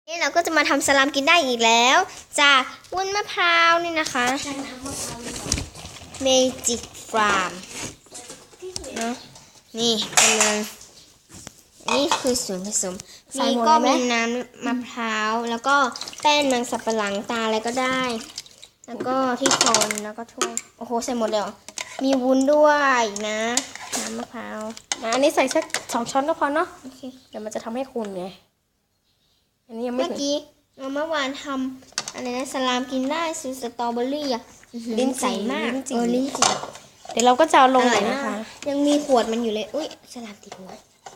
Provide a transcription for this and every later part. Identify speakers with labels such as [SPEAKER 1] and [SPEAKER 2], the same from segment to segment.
[SPEAKER 1] นี่เราก็จะมาทำสลามกินได้อีกแล้วจากวุ้นมะพร้าวนี่นะคะเมจิกฟาร์มเนาะนี่กำลังนี่คือส่วนผสมนี่ก็มีน้ำมะพร้าวแล้วก็แป้งมันสับปะหลังตาอะไรก็ได้ แล้วก็ที่คนแล้วก็ถ้วยโอ้โหใส่หมดเลยเหรอมีวุ้นด้วยนะน้ำมะพร้าว
[SPEAKER 2] อันนี้ใส่สัก2 ช้อนก็พอเนาะ
[SPEAKER 1] โอเค
[SPEAKER 2] เดี๋ยวมันจะทำให้คุณไงอันนี้ยังไม่
[SPEAKER 1] เมื่อกี้เมื่อวานทำอะไรนะสลามกินได้ซื้อสตรอเบอรี่อะลิ้นใสมากลิ้นจี่
[SPEAKER 2] เดี๋ยวเราก็จะเอาลงเลยนะคะ
[SPEAKER 1] ยังมีขวดมันอยู่เลยอุ้ยสลามติดหัว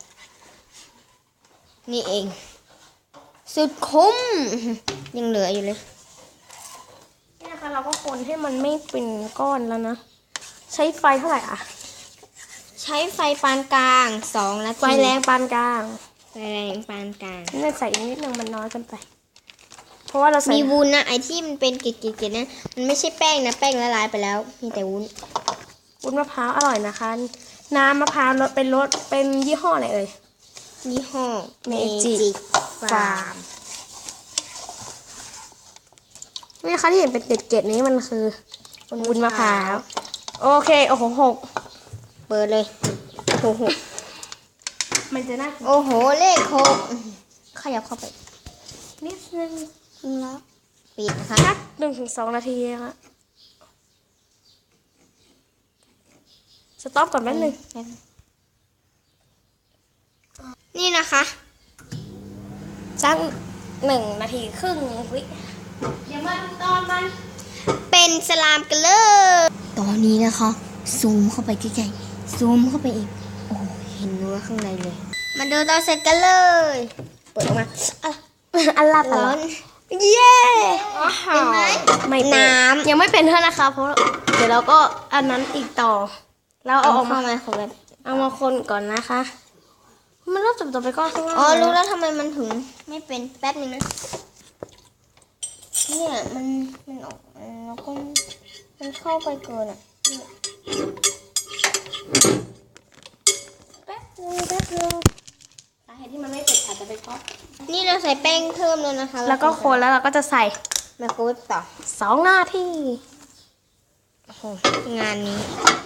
[SPEAKER 1] นี่เองสุดคุ้มยังเหลืออยู่เลย
[SPEAKER 2] นี่นะคะเราก็คนให้มันไม่เป็นก้อนแล้วนะใช้ไฟเท่าไหร่อ่ะ
[SPEAKER 1] ใช้ไฟปานกลาง2 นาที
[SPEAKER 2] ไฟแรงปานกลาง
[SPEAKER 1] ไฟแรงปานกลาง
[SPEAKER 2] นี่ใส่อีกนิดนึงมันน้อยเกินไปเพราะว่าเราใส่
[SPEAKER 1] มีวุ้นนะไอที่มันเป็นเกล็ดๆนะมันไม่ใช่แป้งนะแป้งละลายไปแล้วมีแต่วุ้น
[SPEAKER 2] มะพร้าวอร่อยนะคะน้ำมะพร้าวเป็นรสเป็นยี่ห้ออะไรเอ่ย
[SPEAKER 1] ยี่ห้อ
[SPEAKER 2] เมจิกฟาร์มนี่นะคะที่เห็นเป็นเกล็ดๆนี้มันคือวุ้นมะพร้าวโอเคโอ้โห
[SPEAKER 1] เปิดเลยโอ้โห
[SPEAKER 2] มันจะน่า
[SPEAKER 1] โอ้โหเลข6ขยับเข้าไป
[SPEAKER 2] นิดนึง
[SPEAKER 1] แล้วปิดนะคะ
[SPEAKER 2] สัก1 ถึง 2 นาทีนะคะสต็อปก่อนแป๊บนึง
[SPEAKER 1] นี่นะคะ
[SPEAKER 2] สัก1 นาทีครึ่งวิเดี๋ยวมาดูตอนมัน
[SPEAKER 1] เป็นสลามกันเลยตอนนี้นะคะซูมเข้าไปใกล้ๆซูมเข้าไปอีกโอ้เห็นเนื้อข้างในเลยมาดูตอนเสร็จกันเลยเปิดออกมา
[SPEAKER 2] อันละ
[SPEAKER 1] ร้อนเย้เป็นไหม
[SPEAKER 2] ไม่น้ำยังไม่เป็นเท่านะคะเพราะเดี๋ยวเราก็อันนั้นอีกต่อเราเอาออกมาเอามาคนก่อนนะคะมันเริ่มจับตัวไปก้อนข้างล่าง
[SPEAKER 1] อ๋อรู้แล้วทำไมมันถึงไม่เป็นแป๊บนึงนะเนี่ยมันออกแล้วก็มันเข้าไปเกินอ่ะ
[SPEAKER 2] แป๊บนึงสาเหตุที่มันไม่เป็นอาจจะเป็นเพราะ
[SPEAKER 1] นี่เราใส่แป้งเพิ่มแล้วนะคะ
[SPEAKER 2] แล้วก็คนแล้วเราก็จะใส่
[SPEAKER 1] ไมโครเวฟต่อ
[SPEAKER 2] 2 นาที
[SPEAKER 1] โอ้โหงานนี้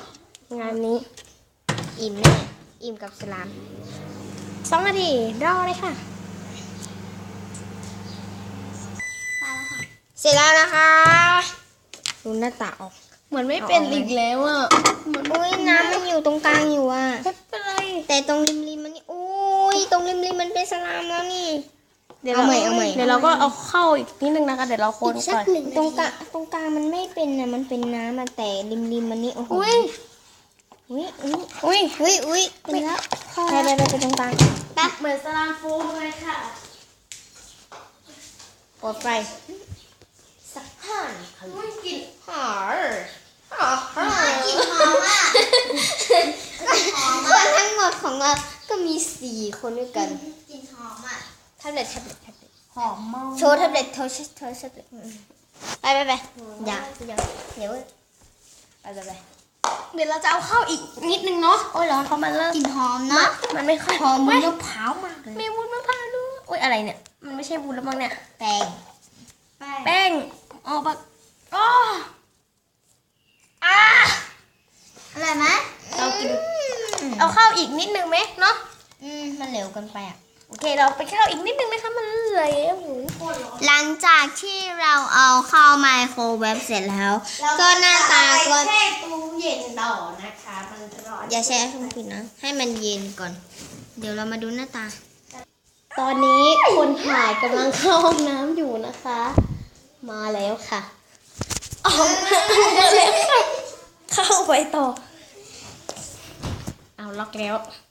[SPEAKER 1] อิ่มแน่อิ่มกับสลาม
[SPEAKER 2] 2 นาทีรอเลยค่ะ
[SPEAKER 1] เสร็จแล้วนะคะดูหน้าตาออก
[SPEAKER 2] เหมือนไม่เป็นอีกแล้วอ่ะ
[SPEAKER 1] อุ้ยน้ำมันอยู่ตรงกลางอยู่อ่ะ
[SPEAKER 2] ไม่เป็นไร
[SPEAKER 1] แต่ตรงริมมันนี่อุ้ยตรงริมมันเป็นสลามแล้วนี่
[SPEAKER 2] เดี๋ยวเอาใหม่เดี๋ยวเราก็เอาเข้าอีกนิดนึงนะคะเดี๋ยวเราคนก่อน
[SPEAKER 1] ตรงกลางมันไม่เป็นนะมันเป็นน้ำแต่ริมมันนี่โอ้โหอุ้ยเป็นแล้วไปตรงกลาง
[SPEAKER 2] เหมือนสลามฟูเลยค่ะ
[SPEAKER 1] กดไฟสัก5 นาที
[SPEAKER 2] กลิ่น
[SPEAKER 1] หอมกลิ่นหอมอ่ะคนทั้งหมดของเราก็มี4 คนด้วยกัน
[SPEAKER 2] กลิ่นหอมอ่ะ
[SPEAKER 1] แท็บเล็ต
[SPEAKER 2] หอมมาก
[SPEAKER 1] โชว์แท็บเล็ตไปอย่าเดี๋ยวไปเดี๋ยว
[SPEAKER 2] เราจะเอาเข้าอีกนิดนึงเนาะ
[SPEAKER 1] โอ้ยร้อนเพราะมันเริ่ม
[SPEAKER 2] กลิ่นหอมนะมันไม่ค่อย
[SPEAKER 1] หอมมะพร้าวมากเลย
[SPEAKER 2] มีวุ้นมะพร้าวด้วยอุ้ยอะไรเนี่ยมันไม่ใช่วุ้นแล้วมั้งเนี่ย
[SPEAKER 1] แป้ง
[SPEAKER 2] ออกมาอ๋อ
[SPEAKER 1] อะไรไหม
[SPEAKER 2] เรากินเอาเข้าอีกนิดนึงไหมเนาะ
[SPEAKER 1] มันเหลวเกินไปอ่ะ
[SPEAKER 2] โอเคเราไปเข้าอีกนิดนึงนะคะมันเหลว
[SPEAKER 1] หลังจากที่เราเอาเข้าไมโครเวฟเสร็จแล้วก็หน้าตาก็
[SPEAKER 2] แช่ตู้เย็นต่อนะคะมันจะร้อน
[SPEAKER 1] อย่าแช่ช่องฟิตนะให้มันเย็นก่อนเดี๋ยวเรามาดูหน้าตา
[SPEAKER 2] ตอนนี้คนถ่ายกำลังเข้าห้องน้ำอยู่นะคะมาแล้วค่ะออกมาแล้วค่ะเข้าไปต่อเอาล็อกแล้ว